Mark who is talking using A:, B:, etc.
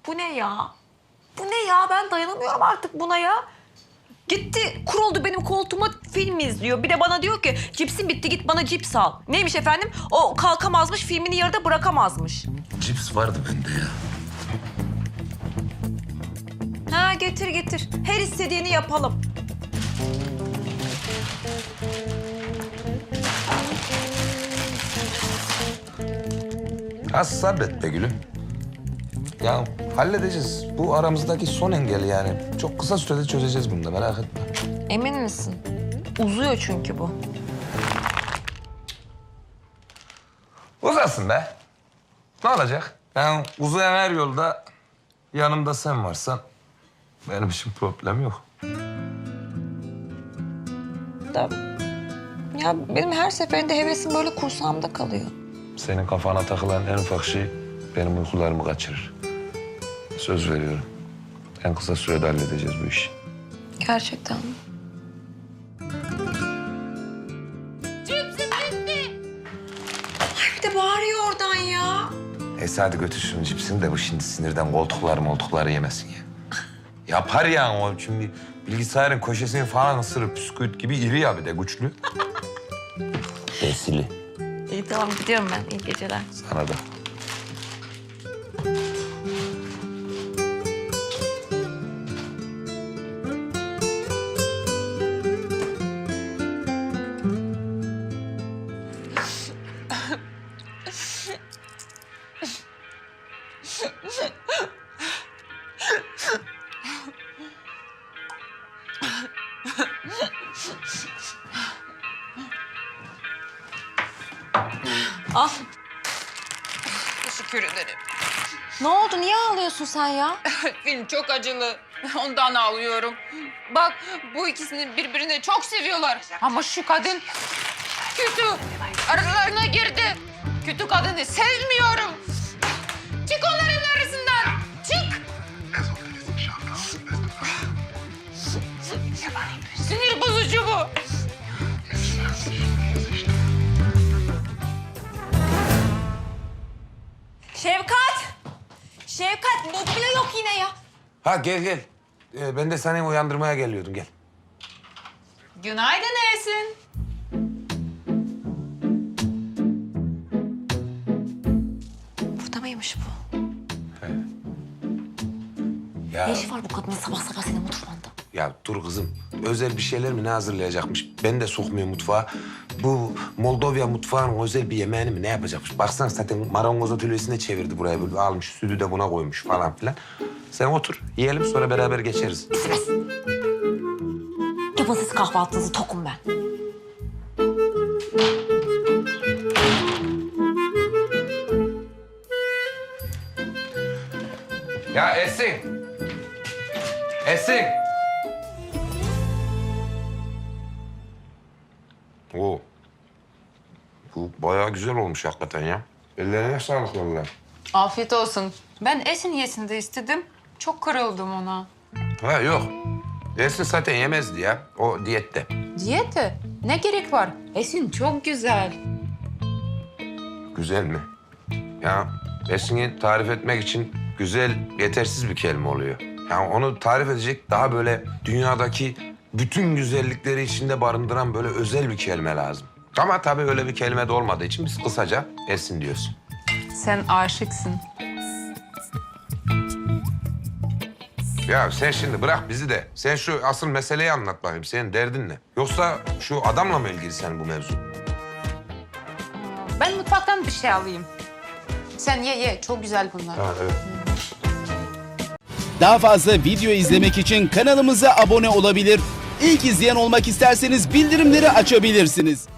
A: Bu ne ya? Bu ne ya? Ben dayanamıyorum artık buna ya. Gitti, kuruldu benim koltuğuma film izliyor. Bir de bana diyor ki cipsim bitti git bana cips al. Neymiş efendim? O kalkamazmış, filmini yarıda bırakamazmış.
B: Cips vardı bende ya.
A: Ha getir getir. Her istediğini yapalım.
B: Az sabret be gülüm. Ya halledeceğiz. Bu aramızdaki son engel yani. Çok kısa sürede çözeceğiz bunu da merak etme.
A: Emin misin? Uzuyor çünkü bu.
B: Uzasın be. Ne olacak? Ben uzayan her yolda yanımda sen varsan benim için problem yok.
A: Da, ya benim her seferinde hevesim böyle kursağımda kalıyor.
B: Senin kafana takılan en ufak şey benim uykularımı kaçırır. Söz veriyorum. En kısa sürede halledeceğiz bu işi.
A: Gerçekten mi?
C: Cipsim bitti.
A: Ay bir de bağırıyor oradan ya.
B: Hadi götür şunun cipsini de bu şimdi sinirden koltukları yemesin ya. Yapar ya o şimdi bilgisayarın köşesini falan ısırır püsküvit gibi iri ya bir de güçlü. Esili.
A: İyi tamam gidiyorum ben. İyi geceler.
B: Sana da.
A: Ah
C: Teşekkür ederim.
A: ne oldu? Niye ağlıyorsun sen ya?
C: Film çok acılı. Ondan ağlıyorum. Bak bu ikisini birbirine çok seviyorlar. Ama şu kadın kötü. Aralarına girdi. Kötü kadını sevmiyorum. Çık onların arasından. Çık. Sinir bozucu bu.
A: Şevkat! Şevkat mobilya yok yine ya.
B: Ha gel. Ben de seni uyandırmaya geliyordum gel.
C: Günaydın Esin.
A: Burada mıymış bu?
B: Ya,
A: Ne işi var bu kadının sabah sabah senin mutfağında?
B: ya dur kızım. Özel bir şeyler mi ne hazırlayacakmış? Ben de sokmuyor mutfağa. Bu Moldova mutfağının özel bir yemeğini mi ne yapacakmış? Baksana zaten marangoz atölyesine çevirdi buraya. Böyle almış sütü de buna koymuş falan filan. Sen otur yiyelim sonra beraber geçeriz.
A: Yapın siz kahvaltınızı tokum ben.
B: Ya Esin. Esin. Oo. Bu bayağı güzel olmuş hakikaten ya. Ellerine sağlık vallahi.
C: Afiyet olsun. Ben Esin yesin de istedim. Çok kırıldım ona.
B: Ha yok. Esin zaten yemezdi ya. O diyette.
C: Diyete? Ne gerek var? Esin çok güzel.
B: Güzel mi? Ya Esin'i tarif etmek için güzel yetersiz bir kelime oluyor. Yani onu tarif edecek daha böyle dünyadaki bütün güzellikleri içinde barındıran böyle özel bir kelime lazım. Ama tabii öyle bir kelime de olmadığı için biz kısaca Esin diyoruz.
C: Sen aşıksın.
B: Ya sen şimdi bırak bizi de. Sen şu asıl meseleyi anlat bakayım. Senin derdin ne? Yoksa şu adamla mı ilgili senin bu mevzu?
C: Ben mutfaktan bir şey alayım. Sen ye. Çok güzel bunlar.
B: Ha, evet.
D: Daha fazla video izlemek için kanalımıza abone olabilir. İlk izleyen olmak isterseniz bildirimleri açabilirsiniz.